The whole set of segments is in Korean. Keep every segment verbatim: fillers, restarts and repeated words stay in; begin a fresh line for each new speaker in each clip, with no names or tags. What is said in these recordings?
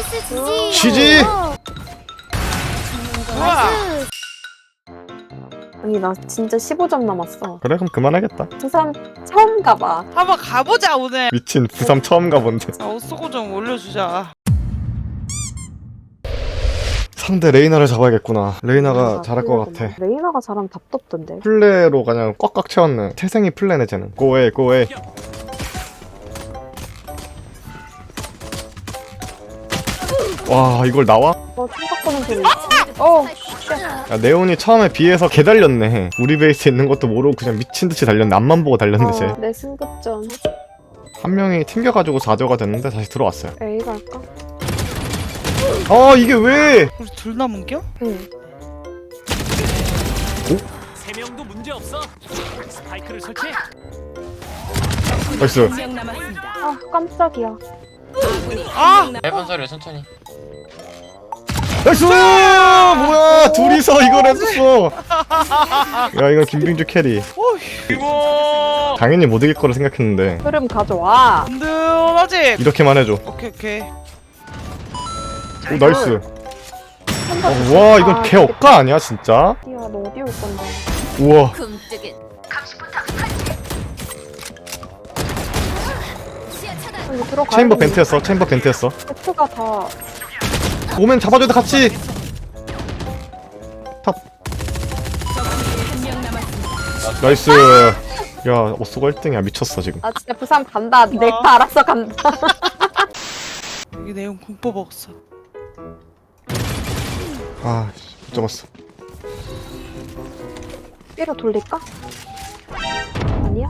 나이스 지지.
지지!
나이스.
아니 나 진짜 십오 점 남았어.
그래 그럼 그만하겠다.
부산 처음 가봐.
한번 가보자 오늘.
미친 부삼 처음 가본데.
자, 옷소고 좀 올려주자.
상대 레이나를 잡아야겠구나. 레이나가
레이나가
잘할 것
플레이구나.
같아.
레이나가 잘하면 답답던데.
플레로 그냥 꽉꽉 채웠네. 태생이 플레네 쟤는. 고해 고해. 와 이걸 나와?
어 생각보는 소리. 어.
야, 네온이 처음에 비해서 개 달렸네. 우리 베이스에 있는 것도 모르고 그냥 미친듯이 달렸네. 앞만 보고 달렸네 쟤.
어, 내 승급전.
한 명이 튕겨가지고 사 조가 됐는데 다시 들어왔어요.
A 갈까?
아 이게 왜?
우리 둘 남은겨?
응.
세 명도 문제 없어. 스파이크를 설치해.
나이스.
한명 남았습니다.
아 깜짝이야.
아!
해본 소리 천천히.
나이스! 뭐야 둘이서 이걸 했었어. 야 이건 김빙주 캐리.
이거
당연히 못 이길 거라 생각했는데
흐름 가져와.
든든하지?
이렇게만 해줘.
오케이 오케이.
오 나이스. 어, 와 이건 개 억까 아니야 진짜?
야 너 어디 올 건데?
우와.
굼뜨긴. 시야 차단.
여기 들어가.
체인버 벤트였어. 체인버 벤트였어.
F가 다.
오면 잡아줘야 돼 같이. 탑.
한명 남았습니다.
나이스. 야 오쏘가 일 등이야 미쳤어 지금.
아 진짜 부산 간다. 내가 알아서 간다.
여기 내용 공포 먹었어.
아 못 잡았어.
B로 돌릴까? 아니야?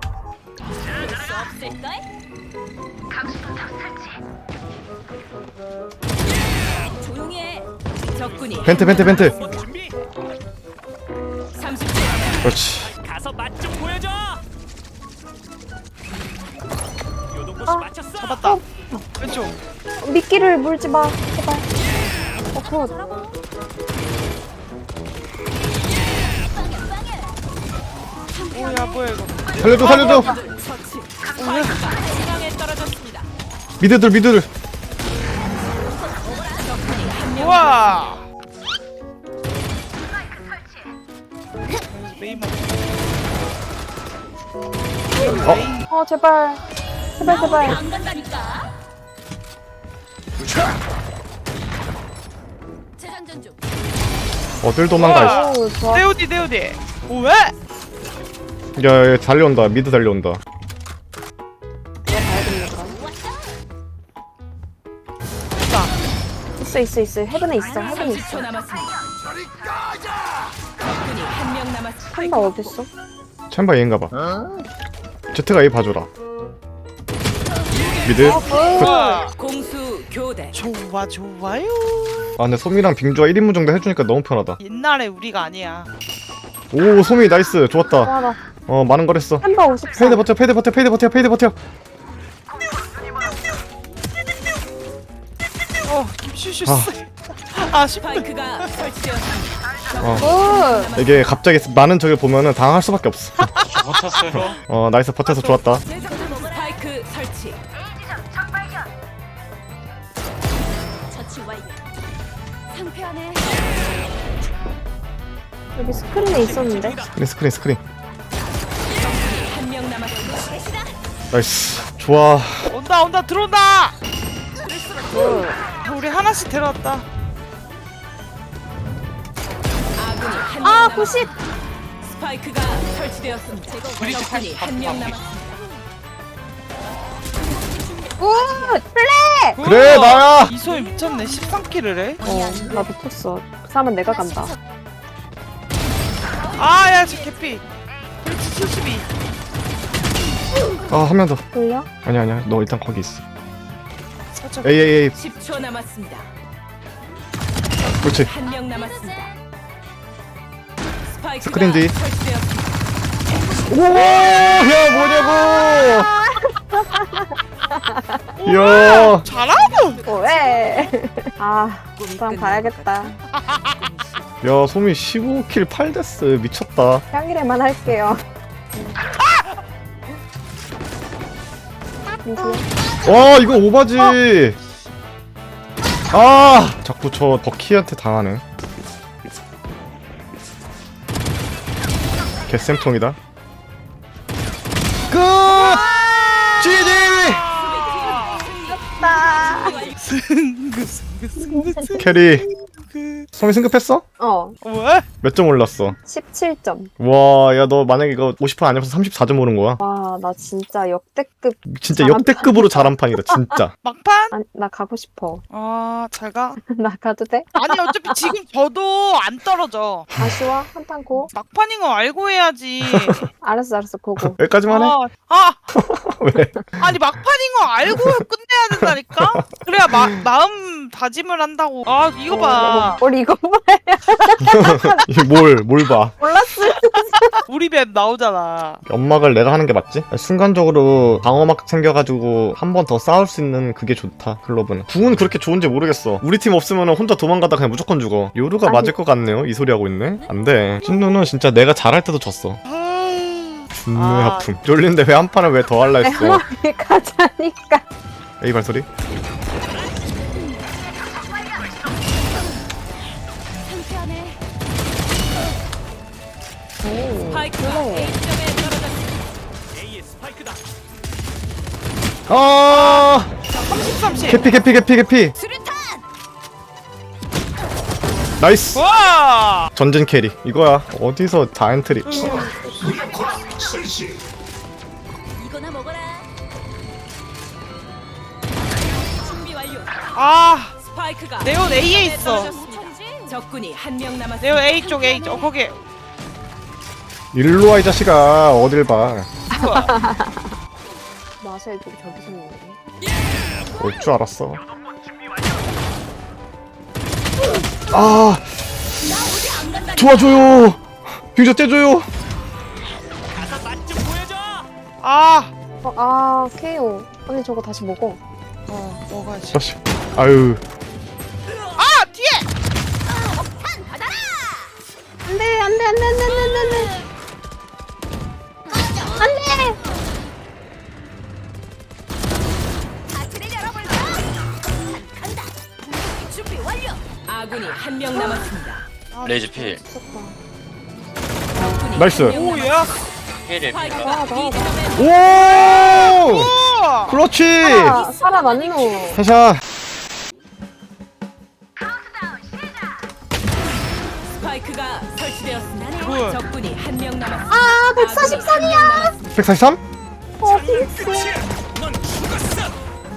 조용히 해.
적군이
벤트 벤트 벤트.
준비.
삼십 초.
그렇지.
가서 맛 좀 보여줘. 요동보시
아.
맞췄어.
잡았다. 왼쪽.
미끼를 물지 마. 제발. 어 굿.
오야 뭐야 이거.
살려줘 살려줘.
처치. 중앙에 떨어졌습니다.
미드들 미드들.
우와. 메인 먹.
어 제발. 제발 제발.
안 간다니까. 재장전 중.
어딜 도망가.
오 좋아.
네오디 네오디. 오 왜?
야, 야 달려온다. 미드 달려온다.
있어 있어 있어. 헤븐에 있어. 헤븐에
삼십 초
있어.
남았습니다. 적군이 한명 남았습니다.
한바 어딨어?
챔버 A인가 봐. 제트가 A 봐줘라. 미드.
우와.
공수 교대.
좋아 좋아요.
아 근데 소미랑 빙주가 일 인분 정도 해주니까 너무 편하다.
옛날에 우리가 아니야.
오 소미 나이스 좋았다.
와 나.
어 많은 걸 했어.
한바 오십사.
페이드 버텨 페이드 버텨 페이드 버텨 페이드 버텨.
어 김슈슈
아.
쎄. 아 쉽다.
스파이크가 설치되었습니다.
어
굿.
이게 갑자기 많은 적을 보면은 당할 수밖에 없어.
버텼어요.
어 나이스 버텨서 좋았다.
스파이크 설치.
처치 완료. 상쾌하네.
여기 스크린에 있었는데.
스크린 스크린 스크린.
한명 남았습니다.
나이스 좋아.
온다 온다 들어온다.
굿.
우리 하나씩 데려왔다.
아군이 한명
아
남았습니다.
구십.
스파이크가 설치되었습니다. 적군이 한명 남았습니다.
굿. 플레이.
그래 나야.
이소희 미쳤네. 십삼 킬을 해.
어나 미쳤어. 부산은 내가 간다.
아야 저 개피. 그렇지 칠십이.
아 한 명 더.
돌려?
아니야 아니야 너 일단 거기 있어.
살짝.
에이 에이 에이.
십 초 남았습니다.
그렇지.
한명 남았습니다. 스파이크가
스크린 뒤.
설치되었습니다.
오야 뭐냐고. 이야.
잘하고.
어, 왜? 아 부산 가야겠다.
야 소미 십오 킬 팔 데스 미쳤다.
평일에만 할게요.
와 이거 오바지. 아 자꾸 저 버키한테 당하네. 개쌤통이다. 끝! 지지! 캐리 성이 승급했어?
어,
왜?
몇 점 올랐어?
십칠 점.
와, 야 너 만약에 이거 오십 분 아니어서 삼십사 점 오른 거야?
와, 나 진짜 역대급.
진짜
잘한
역대급으로 잘한 판이다 진짜.
막판?
아니, 나 가고 싶어.
아, 잘 가.
나 가도 돼?
아니 어차피 지금 저도 안 떨어져.
아쉬워? 한판 고?
막판인 거 알고 해야지.
알았어, 알았어, 고고.
여기까지만 해?
아, 아,
왜?
아니 막판인 거 알고 끝내야 된다니까? 그래야 마, 마음 다짐을 한다고. 아, 이거 봐.
우리 이거 봐.
뭘, 뭘 봐.
몰랐어.
우리 맵 나오잖아.
연막을 내가 하는 게 맞지? 순간적으로 방어막 생겨가지고 한 번 더 싸울 수 있는 그게 좋다, 클럽은. 궁은 그렇게 좋은지 모르겠어. 우리 팀 없으면 혼자 도망가다 그냥 무조건 죽어. 요루가
아니.
맞을 것 같네요? 이 소리 하고 있네? 안 돼. 찐누는 진짜 내가 잘할 때도 졌어. 준뇌
아.
아픔. 쫄린데 왜 한 판을 왜 더 할라 했어?
에머리 가자니까.
A 발소리?
상쾌하네.
스파이크가 A점에 떨어졌습니다.
A의 스파이크다.
아!
삼십, 삼십.
개피, 개피, 개피, 개피!
수류탄.
나이스!
와!
전진 캐리. 이거야. 어디서 자이언트리.
이거나 먹어라. 준비 완료.
아,
스파이크가
네온 A에 있어.
떨어졌습니다. 적군이 한 명 남았습니다.
네온 A 쪽 A 쪽. 어, 거기.
일로 와, 이 자식아. 어딜 봐.
마샬 좀 저기서 있네.
올 줄 알았어. 아, 도와줘요. 빙자 떼줘요.
가서 맛 좀 보여줘.
아,
어, 아, 케이오. 언니 저거 다시 먹어.
어, 먹어야지.
자식. 아유.
아, 뒤에.
안 돼, 안 돼, 안 돼, 안 돼, 안 돼, 안 돼. 안 돼!
파티를 열어볼까? 간다. 준비 완료.
아군이 한 명 남았습니다.
레이즈 필.
적군이
나이스.
한 명
오, 야.
필에 필.
아,
스파이크가
나,
B점에
오!
우와.
그렇지.
아, 살아났노.
해샷.
스파이크가 설치되었습니다.
뭐야?
적군이 한 명 남았습니다.
아, 백사십삼이야.
백사십삼?
어, 핑스.
넌 죽었어.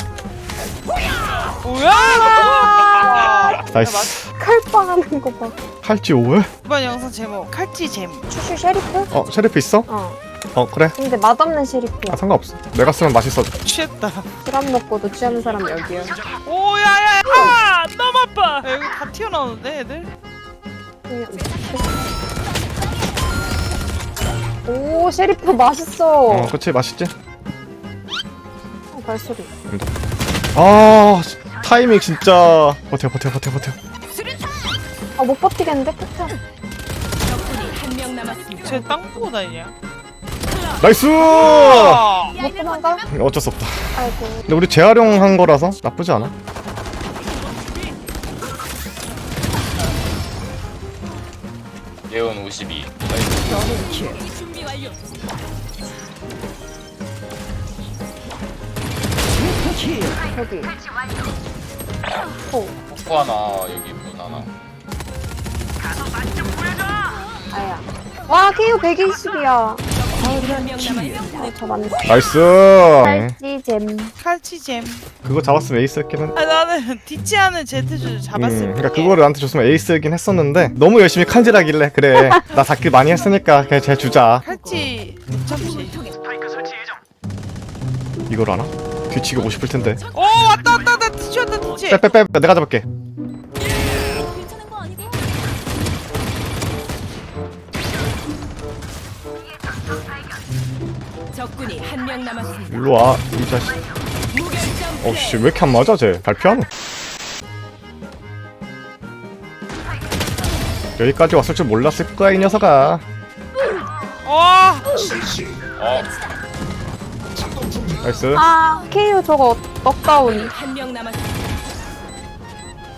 뭐야?
나이스.
칼빵 하는 거 봐.
칼찌 오해?
이번 영상 제목 칼찌 잼.
추슈 쉐리프?
어, 셰리프 있어?
어.
어, 그래.
근데 맛없는 쉐리프야.
아, 상관없어. 내가 쓰면 맛있어.
취했다.
술안 먹고도 취하는 사람 여기야.
오, 야야. 아, 너무 아파. 야, 여기 다 튀어나오는데 애들.
오, 쉐리프 맛있어.
어, 그치. 맛있지?
어, 발소리.
아, 타이밍 진짜. 버텨, 버텨, 버텨, 버텨.
아, 못 버티겠는데? 폭탄.
적군이 한 명 남았습니다.
쟤 땅 보고 다니냐?
나이스!
아,
못 도망가?
어쩔 수 없다.
아이고.
근데 우리 재활용한 거라서 나쁘지 않아.
네온 오십이.
준비 완료.
저기. 오,
포 하나 여기 문 하나.
아야. 와, 케이오 백이십이야.
적군이 한 명 남았습니다.
어, 저 맞네.
나이스.
칼찌잼.
칼찌 잼.
그거 잡았으면 에이스였긴
아, 나는 뒤치하는 제트줄 잡았을
음,
뿐.
그러니까 그거를 나한테 줬으면 에이스이긴 했었는데 너무 열심히 칼질하길래 그래 나 다킬 많이 했으니까 그냥 쟤 주자.
칼찌 참치.
이걸 하나? 뒤치고 싶을 텐데.
오, 왔다 왔다 왔다. 뒤치 왔다 뒤치.
빼빼빼 내가 잡을게.
괜찮은 거 아니고?
적군이 한 명 남았습니다.
일로 와 이 자식.
무결점
어씨 왜 이렇게 안 맞아 쟤. 발표하노. 여기까지 왔을 줄 몰랐을 거야 이 녀석아.
와.
어.
나이스.
아, 케이오 저거 넉다운.
한 명 남았습니다.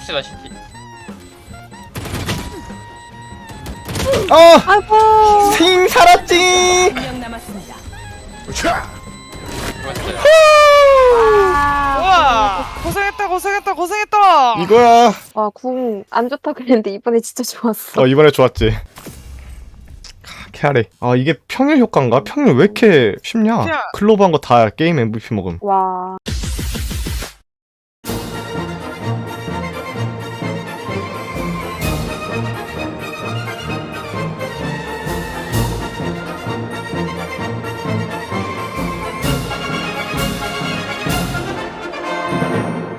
박스가 시티.
아!
아이고.
생 살았지!
한 명 남았습니다.
그렇어요.
아.
우와 고생했다 고생했다 고생했다.
이거야.
와, 궁 안 좋다 그랬는데 이번에 진짜 좋았어.
어, 이번에 좋았지. 캐리. 아, 이게 평일 효과인가? 평일 왜 이렇게 쉽냐?
그냥-
클로브 한 거 다 게임 엠브이피 먹음.
와.